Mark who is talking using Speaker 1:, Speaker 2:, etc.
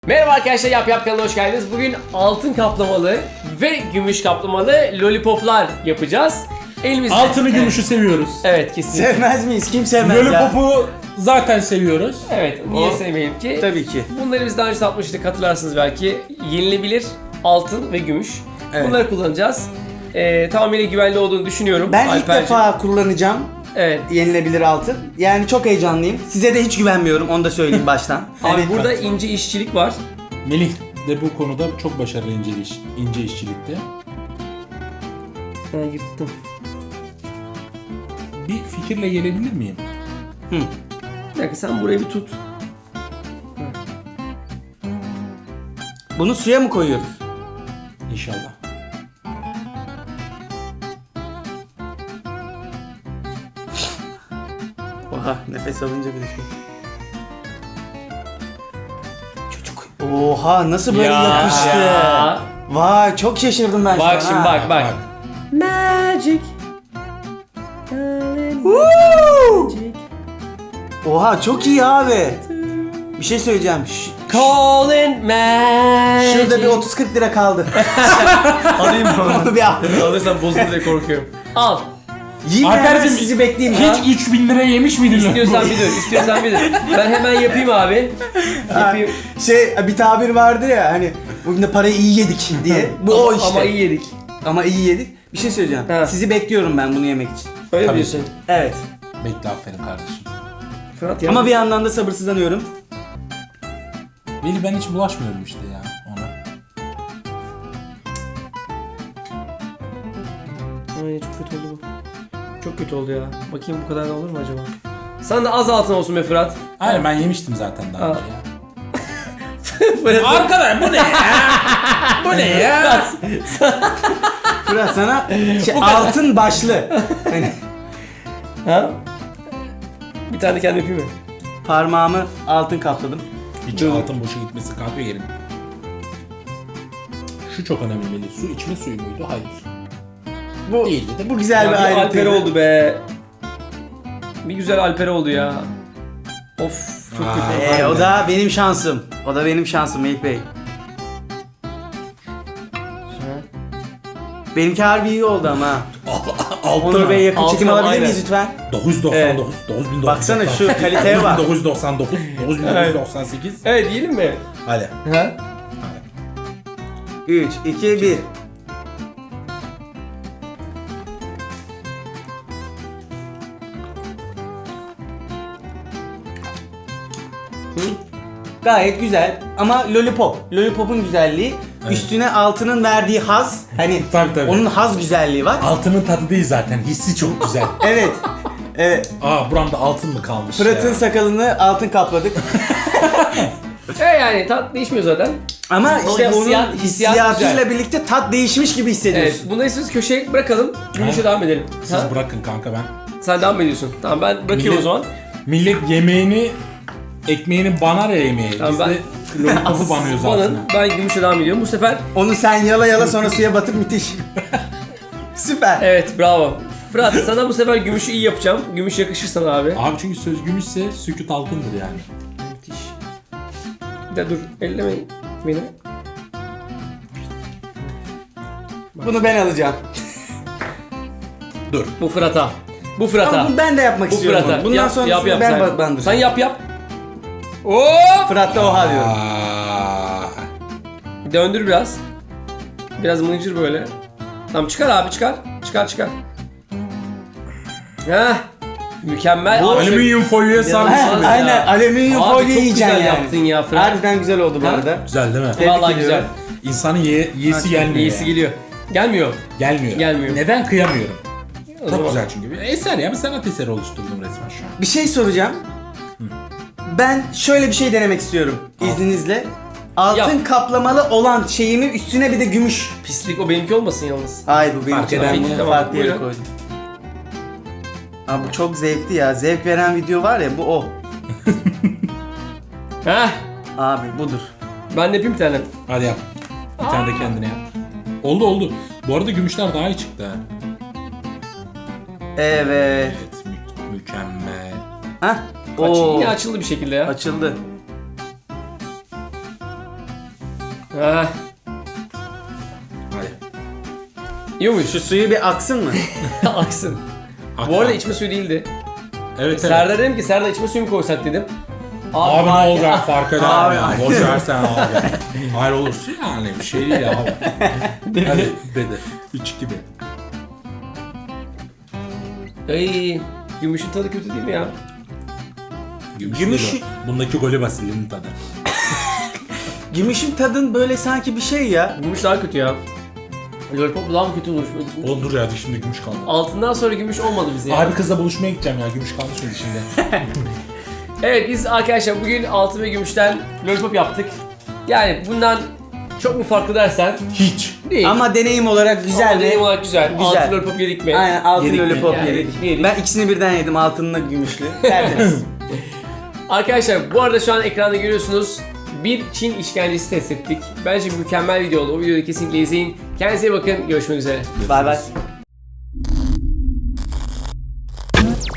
Speaker 1: Merhaba arkadaşlar, Yap kanalına hoş geldiniz. Bugün altın kaplamalı ve gümüş kaplamalı lollipoplar yapacağız. Elimizde...
Speaker 2: Altını gümüşü seviyoruz.
Speaker 1: Evet, kesinlikle.
Speaker 3: Sevmez miyiz? Kim sevmez ya?
Speaker 2: Lollipopu zaten seviyoruz.
Speaker 1: Evet, niye sevmeyelim ki?
Speaker 3: Tabii ki.
Speaker 1: Bunları biz daha önce satmıştık, hatırlarsınız belki. Yenilebilir altın ve gümüş.
Speaker 3: Evet.
Speaker 1: Bunları kullanacağız. Tamamıyla güvenli olduğunu düşünüyorum.
Speaker 3: Ben ilk
Speaker 1: Alperciğim.
Speaker 3: defa kullanacağım
Speaker 1: Evet.
Speaker 3: yenilebilir altın. Yani çok heyecanlıyım. Size de hiç güvenmiyorum, onu da söyleyeyim baştan.
Speaker 1: Abi
Speaker 3: Evet.
Speaker 1: burada ince işçilik var.
Speaker 2: Melih de bu konuda çok başarılı ince işçilikte.
Speaker 1: Ben yırttım.
Speaker 2: Bir fikirle gelebilir miyim?
Speaker 1: Bir dakika, sen burayı bir tut.
Speaker 3: Bunu suya mı koyuyoruz?
Speaker 2: İnşallah.
Speaker 3: Oha, nefes alınca bir şey. Çocuk. Oha, nasıl böyle yapıştı?
Speaker 1: Ya.
Speaker 3: Vay, çok şaşırdım ben
Speaker 1: Bak
Speaker 3: şu
Speaker 1: şimdi,
Speaker 3: an.
Speaker 1: bak bak. Magic.
Speaker 3: Woo! Oha, çok iyi abi. Bir şey söyleyeceğim.
Speaker 1: Calling magic.
Speaker 3: Şurada bir 30-40 lira kaldı.
Speaker 1: Alayım mı?
Speaker 3: Onu bir al.
Speaker 1: Alırsan bozulur diye korkuyorum. Al.
Speaker 3: Yine hemen
Speaker 2: Alperciğim,
Speaker 3: sizi bekleyeyim ya.
Speaker 2: Hiç 3000 lira yemiş miydin?
Speaker 1: İstiyorsan bir dur, istiyorsan bir dur. Ben hemen yapayım abi. Yapayım.
Speaker 3: Bir tabir vardı ya, hani bugün de parayı iyi yedik diye. Bu o işte.
Speaker 1: Ama iyi yedik.
Speaker 3: Ama iyi yedik. Bir şey söyleyeceğim.
Speaker 1: Ha.
Speaker 3: Sizi bekliyorum ben bunu yemek için.
Speaker 1: Öyle mi
Speaker 2: Tabii.
Speaker 1: diyorsun?
Speaker 3: Evet.
Speaker 2: Bekle, aferin kardeşim.
Speaker 1: Fırat ya.
Speaker 3: Ama bir yandan da sabırsızlanıyorum.
Speaker 2: Melih, ben hiç bulaşmıyorum işte ya ona.
Speaker 1: Ay, çok kötü oldu bu. Çok kötü oldu ya. Bakayım bu kadar da olur mu acaba? Sen de az altın olsun be Fırat.
Speaker 2: Aynen, ben yemiştim zaten daha önce ya.
Speaker 1: Fırat.
Speaker 2: Arkadaş bu ne ya? Bu ne ya?
Speaker 3: Fırat sana altın başlı. Hani
Speaker 1: Ha? Bir tane kendi yapayım mı?
Speaker 3: parmağımı altın kapladım.
Speaker 2: Hiç altın boşa gitmesi kahve yerim. Şu çok önemli Melih. Su içme suyu muydu? Hayır.
Speaker 3: Bu
Speaker 2: Değildi değil mi?
Speaker 3: Bu güzel
Speaker 1: Ya
Speaker 3: bir
Speaker 1: bir Alper
Speaker 3: ayrıntıydı.
Speaker 1: oldu be. Bir güzel Alper oldu ya. Of, çok kötü.
Speaker 3: O da benim şansım. O da benim şansım Melih Bey. Benimki harbi iyi oldu ama. Onur Bey, yakın
Speaker 1: Altın
Speaker 3: çekim
Speaker 1: ama
Speaker 3: alabilir
Speaker 1: aynen.
Speaker 3: miyiz lütfen?
Speaker 2: 999, 9998.
Speaker 3: Baksana şu kaliteye bak.
Speaker 2: 9999, 9998.
Speaker 1: Evet, yiyelim mi?
Speaker 2: Hadi.
Speaker 1: Ha?
Speaker 3: 3, 2, 1. Gayet güzel ama lollipop. Lollipop'un güzelliği üstüne altının verdiği haz. Hani
Speaker 2: Tabii.
Speaker 3: onun haz güzelliği var.
Speaker 2: Altının tadı değil zaten. Hissi çok güzel.
Speaker 3: Evet. Evet.
Speaker 2: Buramda altın mı kalmış
Speaker 3: Fırat'ın
Speaker 2: ya?
Speaker 3: sakalını altın kapladık.
Speaker 1: Yani tat değişmiyor zaten.
Speaker 3: Ama
Speaker 1: O
Speaker 3: işte
Speaker 1: hissiyat-
Speaker 3: onun
Speaker 1: hissiyat
Speaker 3: hissiyatıyla
Speaker 1: güzel.
Speaker 3: birlikte tat değişmiş gibi
Speaker 1: Evet,
Speaker 3: hissediyorsun.
Speaker 1: bunları siz köşeye bırakalım. Gümüşe devam edelim.
Speaker 2: Siz
Speaker 1: Ha?
Speaker 2: bırakın kanka ben.
Speaker 1: Sen devam ediyorsun. Tamam, ben bırakıyorum o zaman.
Speaker 2: Millet yemeğini, ekmeğini banar ya yemeği.
Speaker 1: Tamam,
Speaker 2: Biz
Speaker 1: ben-
Speaker 2: de lollipopu banıyoruz
Speaker 1: Banın,
Speaker 2: altına.
Speaker 1: ben gümüşe devam ediyorum. Bu sefer
Speaker 3: Onu sen yala yala sonra suya batıp müthiş. Süper.
Speaker 1: evet, bravo. Fırat, sana bu sefer gümüşü iyi yapacağım. Gümüş yakışır sana abi.
Speaker 2: Abi çünkü söz gümüşse sükût altındır yani.
Speaker 1: Müthiş. Bir de dur, elleme beni.
Speaker 3: Bunu ben alacağım.
Speaker 2: Dur.
Speaker 1: Bu Fırat'a. Bu Fırat'a.
Speaker 3: Ama bunu ben de yapmak
Speaker 1: Bu
Speaker 3: istiyorum.
Speaker 1: Fırat'a.
Speaker 3: Bundan
Speaker 1: Yap,
Speaker 3: sonrasını
Speaker 1: yap,
Speaker 3: ben
Speaker 1: sen.
Speaker 3: bandıracağım.
Speaker 1: Sen yap. Oo!
Speaker 3: Fırat'ta oha diyorum.
Speaker 2: Aa,
Speaker 1: Döndür biraz. Biraz mıncır böyle. Tamam, çıkar abi, çıkar. Çıkar. Heh. Mükemmel.
Speaker 2: bu
Speaker 1: Abi,
Speaker 2: alüminyum folyoya sarmış.
Speaker 1: Heh.
Speaker 2: gibi.
Speaker 3: Aynen, alüminyum
Speaker 1: Abi,
Speaker 3: folyo
Speaker 1: çok
Speaker 3: yiyeceksin
Speaker 1: güzel
Speaker 3: yani.
Speaker 1: yaptın ya Fırat.
Speaker 3: Harbiden güzel oldu bu
Speaker 1: Ha?
Speaker 3: arada.
Speaker 2: Güzel değil mi?
Speaker 3: Tebrik
Speaker 1: Vallahi
Speaker 3: ediyorum.
Speaker 1: güzel.
Speaker 2: İnsanın yiyesi gelmiyor
Speaker 1: İyisi
Speaker 2: yani.
Speaker 1: geliyor. Gelmiyor.
Speaker 2: Gelmiyor.
Speaker 1: Gelmiyor.
Speaker 2: Neden kıyamıyorum?
Speaker 1: O
Speaker 2: Çok
Speaker 1: zaman-
Speaker 2: güzel çünkü. Bir eser ya, bir sanat eseri oluşturdum resmen şu an.
Speaker 3: Bir şey soracağım. Ben şöyle bir şey denemek istiyorum izninizle. Altın
Speaker 1: Yap.
Speaker 3: kaplamalı olan şeyimi üstüne bir de gümüş.
Speaker 1: Pislik o, benimki olmasın yalnız.
Speaker 3: Ay bu benim
Speaker 2: Fark
Speaker 3: için.
Speaker 2: eder.
Speaker 3: Ben bunu
Speaker 1: Tamam,
Speaker 3: farklı yere
Speaker 1: buyurun.
Speaker 3: koydum. Abi bu çok zevkli ya. Zevk veren video var ya, bu o.
Speaker 1: Heh.
Speaker 3: Abi budur.
Speaker 1: Ben de yapayım bir tane.
Speaker 2: Hadi yap. Bir tane de kendine yap. Oldu. Bu arada gümüşler daha iyi çıktı ha.
Speaker 3: Evet.
Speaker 2: Evet, mükemmel.
Speaker 3: Hah.
Speaker 1: Aç,
Speaker 3: Oo.
Speaker 1: yine açıldı bir şekilde ya.
Speaker 3: Açıldı.
Speaker 1: Ah,
Speaker 2: Hadi.
Speaker 1: yiyormuş.
Speaker 3: Şu suyu bir aksın mı?
Speaker 1: Aksın.
Speaker 2: Akla.
Speaker 1: Bu arada içme suyu değildi.
Speaker 2: Evet evet.
Speaker 1: Serdar dedim ki Serdar içme suyu mu koysak dedim.
Speaker 2: Abi ne
Speaker 1: fark-
Speaker 2: olacak fark eder
Speaker 3: Abi.
Speaker 2: ya. Boş versen abi. Hayır olursun yani bir şey değil ya abi. Hadi dedi. 3-2-1.
Speaker 1: Ay, gümüşün tadı kötü değil mi ya?
Speaker 3: Gümüş-
Speaker 2: değil o. Bundaki golü basilinin tadı.
Speaker 3: Gümüşün tadın böyle sanki bir şey ya.
Speaker 1: Gümüş daha kötü ya. Lollipop daha mı kötü olur?
Speaker 2: Oğlum dur ya şimdi gümüş kaldı.
Speaker 1: Altından sonra gümüş olmadı bize ya.
Speaker 2: Abi kızla buluşmaya gideceğim ya gümüş kaldı şimdi şimdi.
Speaker 1: Evet biz arkadaşlar bugün altın ve gümüşten lollipop yaptık. Yani bundan çok mu farklı dersen
Speaker 2: Hiç.
Speaker 1: değil.
Speaker 3: Ama deneyim olarak güzel
Speaker 1: Ama deneyim
Speaker 3: mi?
Speaker 1: olarak güzel.
Speaker 3: Güzel.
Speaker 1: Altın lollipop yedik mi?
Speaker 3: Aynen altın
Speaker 2: Yedik mi?
Speaker 3: lollipop
Speaker 1: Yani
Speaker 3: yedik.
Speaker 1: yedik.
Speaker 3: Ben ikisini birden yedim altınla gümüşlü. Tertemiz.
Speaker 1: Arkadaşlar bu arada şu an ekranda görüyorsunuz. Bir Çin işkencesi test ettik. Bence mükemmel video oldu. O videoyu kesinlikle izleyin. Kendinize iyi bakın. Görüşmek üzere.
Speaker 3: Bay bay.